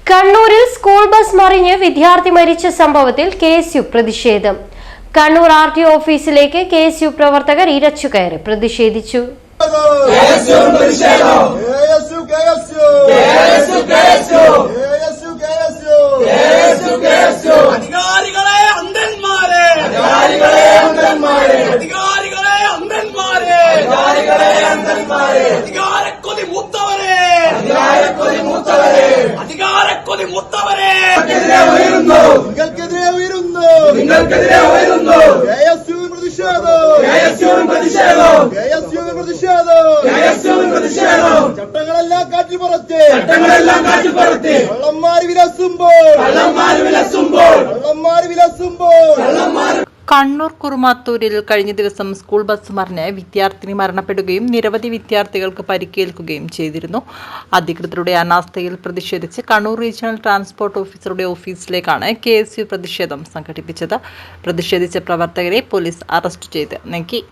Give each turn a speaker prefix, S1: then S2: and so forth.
S1: കണ്ണൂരിൽ school bus മറിഞ്ഞ് വിദ്യാർത്ഥി മരിച്ച സംഭവത്തിൽ കെഎസ്യു പ്രതിഷേധം. കണ്ണൂർ ആർടിഒ ഓഫീസിലേക്ക് കെഎസ്യു പ്രവർത്തകർ ഇരച്ചുകയറി പ്രതിഷേധിച്ചു.
S2: ചട്ടങ്ങളെല്ലാം കാറ്റിപ്പുറത്ത് കള്ളന്മാര് വിലസുമ്പോൾ
S3: കണ്ണൂർ കുറുമാത്തൂരിൽ കഴിഞ്ഞ ദിവസം സ്കൂൾ ബസ് മറിഞ്ഞ് വിദ്യാർത്ഥിനി മരണപ്പെടുകയും നിരവധി വിദ്യാർത്ഥികൾക്ക് പരിക്കേൽക്കുകയും ചെയ്തിരുന്നു. അധികൃതരുടെ അനാസ്ഥയിൽ പ്രതിഷേധിച്ച് കണ്ണൂർ റീജിയണൽ ട്രാൻസ്പോർട്ട് ഓഫീസറുടെ ഓഫീസിലേക്കാണ് കെഎസ്യു പ്രതിഷേധം സംഘടിപ്പിച്ചത്. പ്രതിഷേധിച്ച പ്രവർത്തകരെ പോലീസ് അറസ്റ്റ് ചെയ്ത് നീക്കി.